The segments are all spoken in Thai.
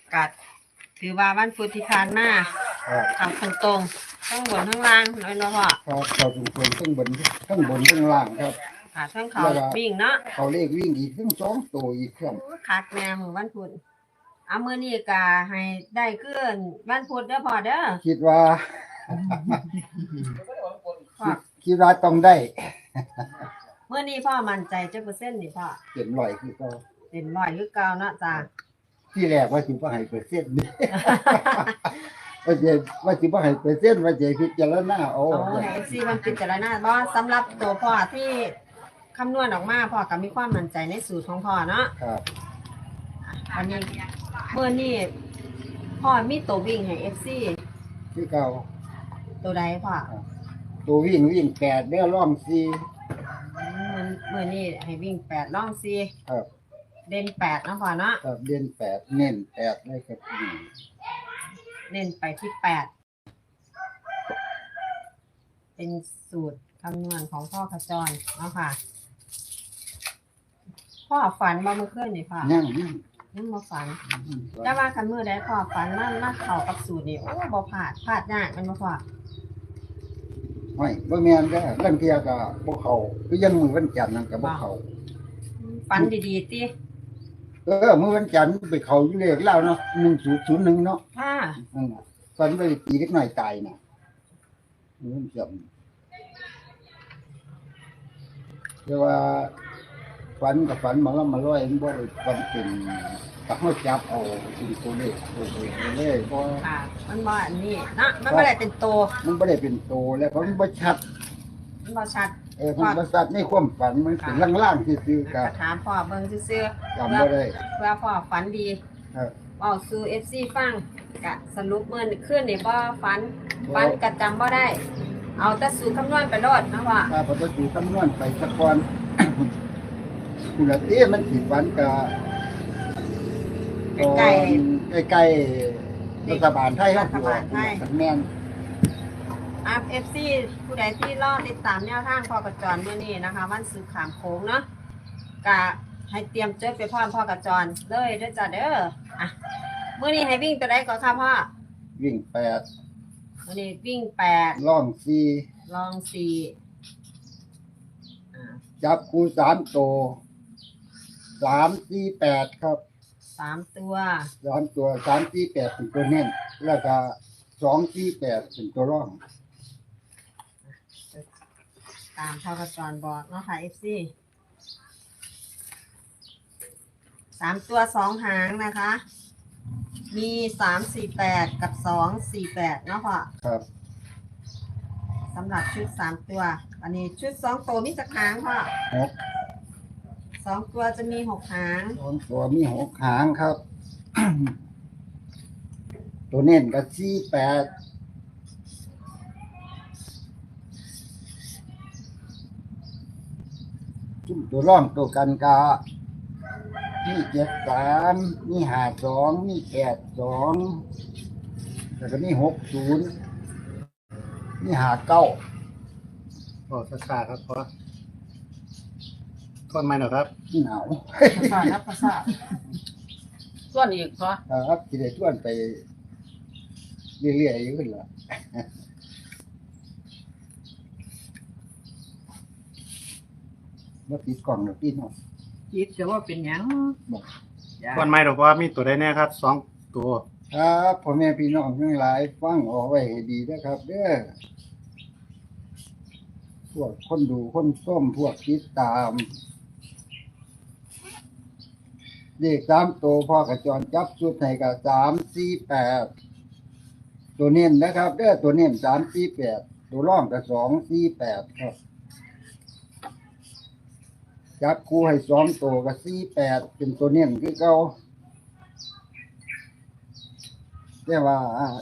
กัดถือว่าวันพุธที่ผ่านมาครับทำตรงๆทั้งบนทั้งล่างน้อยเนาะพ่อครับเขาตรงๆทั้งบนทั้งล่างครับค่ะทั้งเขาวิ่งเนาะเขาเลขวิ่งอีกทั้ง2ตัวอีกครับคักแม่มือวันพุธเอามื้อนี้ก็ให้ได้ขึ้นวันพุธเด้อพ่อเด้อคิดว่าพ่อคิดว่าต้องได้มื้อนี้พ่อมั่นใจจักเปอร์เซ็นต์นี่พ่อเป็นร้อยคือเขาเป็นร้อยคือเก่าเนาะจ้าที่แรกว่าสิบ่ให้เปอร์เซ็นต์ นี่ว่าสิบ่ให้เปอร์เซ็นต์ว่าจะพิจารณาเอาเอาให้ FC มันพิจารณาบ่สำหรับตัวพ่อที่คำนวณออกมาพ่อก็มีความมั่นใจในสูตรของพ่อเนาะครับอันนี้มื้อนี้พ่อมีตัววิ่งให้ FC ที่เก่าตัวใดพ่อตัววิ่ง8เด้อร่อง4 มื้อนี้ให้วิ่ง8ล่อง4 ครับเด่น8เนาะพ่อเนาะครับเดือน8เน้น8เลยครับเน้นไปที่8เป็นสูตรคำนวณของพ่อขจรเนาะค่ะ พ่อฝันบ่เมื่อคืนนี่พ่อยังยังบ่ฝัน แต่ว่าคันมื้อใดพ่อฝันมันเข้ากับสูตรนี่โอ้บ่พลาดยากแม่นบ่พ่อไม่บ่แม่นเด้อลางเที่ยก็บ่เข้าคือยังมื้อวันจันทร์นั่นก็บ่เข้าฝันดีๆติมื้อวันจันทร์ไปเข้าอยู่เลขแล้วเนาะ1001เนาะค่ะนั่นน่ะฝันไปตีเล็กน้อยตายน่ะมื้อวันจันทร์แต่ว่าฝันกับฝันมาแล้วมาร้อยมันบ่ได้ฝันเป็นก็เฮาจับเอาสิ่งตัวเลขเลยบ่ค่ะ มันบ่อันนี้เนาะมันบ่ได้เป็นโตมันบ่ได้เป็นโตแล้วเพราะมันบ่ชัดมันบ่ชัดมันบ่ชัดในความฝันมันเป็นล่างๆซื่อๆก็ก็ถามพ่อเบิ่งซื่อๆจำบ่ได้เพื่อพ่อฝันดีครับเว้าสู่ FC ฟังก็สรุปมื้อคืนนี่บ่ฝันก็จำบ่ได้ เอาแต่สูตรคำนวณไปโลดเนาะว่าถ้าพอจะดูคำนวณไปสักก่อน คุณละตีมันสิฝันก็ใกล้ใกล้ๆรัฐบาลไทยครับรัฐบาลไทยแม่นอัพ FC ผู้ใดที่รอติดตามแนวทางพ่อกระจรมื้อนี้นะคะวันศุกร์ขามโค้งเนาะก็ให้เตรียมจดไปพร้อมพ่อกระจรเลยเด้อจ้ะเด้ออ่ะมื้อนี้ให้วิ่งตัวใดก่อนค่ะพ่อวิ่ง8 มื้อนี้วิ่ง8 ล่องลอง4อ่า 4จับคู่3ตัว3 4 8ครับ 3ตัว 3ตัว3 4 8เป็นตัวเน้นแล้วก็2 4 8เป็นตัวร่องตามพ่อกระจรบอกเนาะค่ะ FC 3ตัว2หางนะคะ มี348กับ248เนาะพ่อครับสำหรับชุด3ตัว อันนี้ชุด2ตัวมีจักหางพ่อ 6 2ตัวจะมี6หาง 2ตัวมี6หางครับ ตัวเน้นก็4 8จุ่มตัวร่องตัวกันกามี73มี52มี82แล้วก็มี60มี59 โอ้สักขาครับเพราะคนใหม่หน่อยครับหนาวภาษานับภาษาส่วนอีกพ่อครับสิได้ชวนไปเรื่อยๆอยู่ขึ้นล่ะบ่ติดกล่องดอกพี่น้องคิดจะว่าเป็นหยังบอกคนใหม่หรอกว่ามีตัวใดแน่ครับสองตัวครับพ่อแม่พี่น้องทั้งหลายฟังเอาไว้ให้ดีนะครับเด้อพวกคนดูคนส้มพวกติดตามเลข3ตัวพ่อกระจรจับชุดให้ก็3 4 8ตัวเน้นนะครับเด้อตัวเน้น3 4 8ตัวร่องก็2 4 8ครับจับคู่ให้2ตัวก็4 8เป็นตัวเน้นคือเก่าแต่ว่า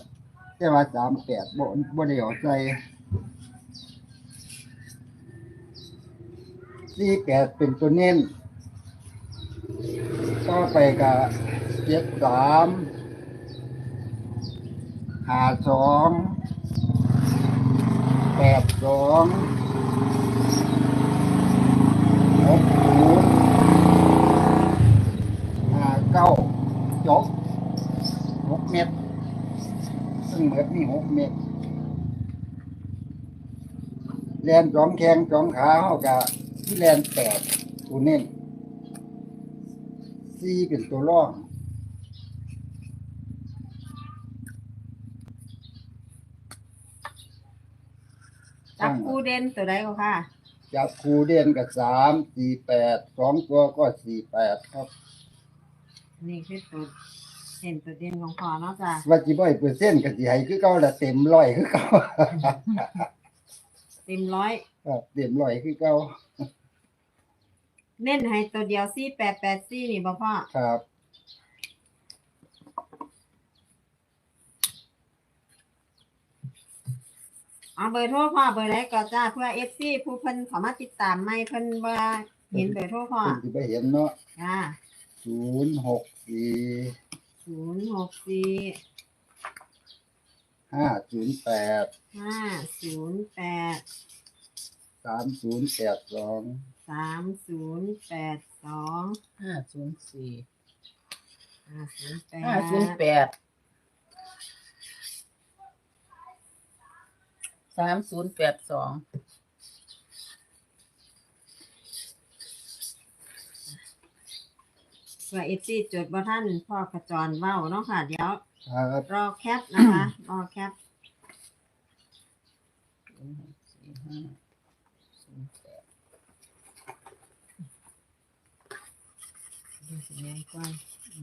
38บ่ได้เอาใส่48เป็นตัวเน้นต่อไปก็73 52 82 60 59จบ 6 เม็ดซึ่งเหมือนมี6 เม็ดแลนสองแข้งสองขาเฮาก็ที่แลน8ตัวเน้น4เป็นตัวร่องจับคู่เด่นตัวใดก็ค่ะจับคู่เด่นกับ3 4 8 2ตัวก็48ครับนี่คือตัวเด่นตัวเด่นของพ่อเนาะจ้ะว่าสิบ่ให้เปอร์เซ็นต์ก็สิให้คือเก่าละเต็ม100คือเก่าเต็มร้อยครับเต็ม100คือเก่าเน้นให้ตัวเดียว4884นี่บ่พ่อครับเอาเบอร์โทรพ่อเบอร์ไหนก็จ้าเพื่อ FC ผู้เพิ่นเข้ามาติดตามใหม่เพิ่นบ่เห็นเบอร์โทรพ่อเพิ่นสิไปเห็นเนาะจ้า 064 064 508 508 3082 3082 504 508 508 3082 เพื่อ FC จดบ่ทันพ่อกระจรเว้าเนาะค่ะ เดี๋ยวครับรอแคปนะคะ รอแคป ดูสิแม่นกว้าง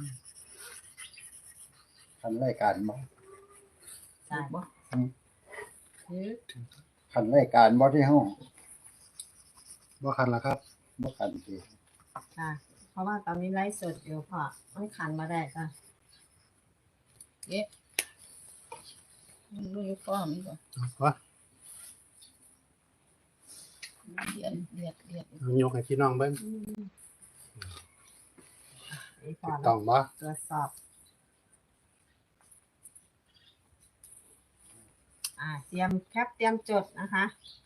คันรายการบ่จ้าบ่คันรายการบ่ที่เฮาบ่คันละครับบ่คันสิจ้าเพราะว่าตอนนี้ไลฟ์สดอยู่พ่อมันขันมาได้จ้ะเอ๊ะมันรู้อยู่ฟ้อมบ่วะเรียนยกให้พี่น้องเบิ่งนี่พ่อต้องบ่ตรวจสอบ เตรียมแคปเตรียมจดนะคะ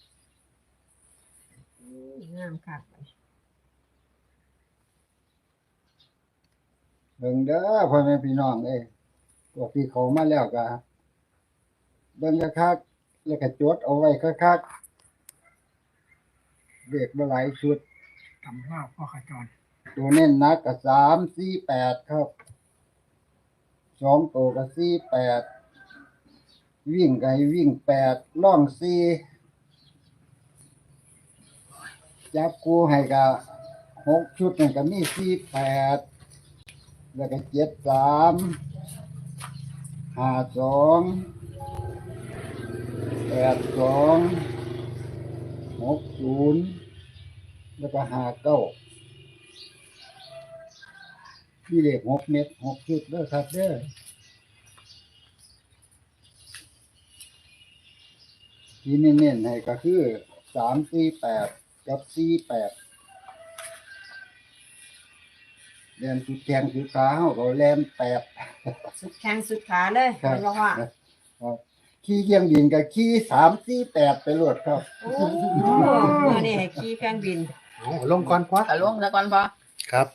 งามค่ะเบิ่งเด้อพ่อแม่พี่น้องเอ้ยพวกที่เขามาแล้วก็เบิ่งคักๆแล้วก็จดเอาไว้คักๆเด็กบ่หลายชุดทำว่าพ่อขจรตัวเน้นหนักก็3 4 8ครับ2ตัวก็48วิ่งก็ให้วิ่ง8ล่อง4จับคู่ให้ก็6ชุดนั่นก็มี48แล้วก็73 52 82 60แล้วก็59มีเลข6 เม็ด6 ชุดเด้อครับเด้อที่เน้นๆให้ก็คือ3 4 8กับ48เรียนสุดแขงสุดขาเฮาก็แล่น8 สุดแข้งสุดขาเลยครับเห็นบ่พ่อครับขี่เครื่องบินกับขี่3 4 8ไปโลดครับโอ้เมื่อนี่ให้ขี่เครื่องบินเอาลงก่อนพอตะลงแล้วก่อนพอครับ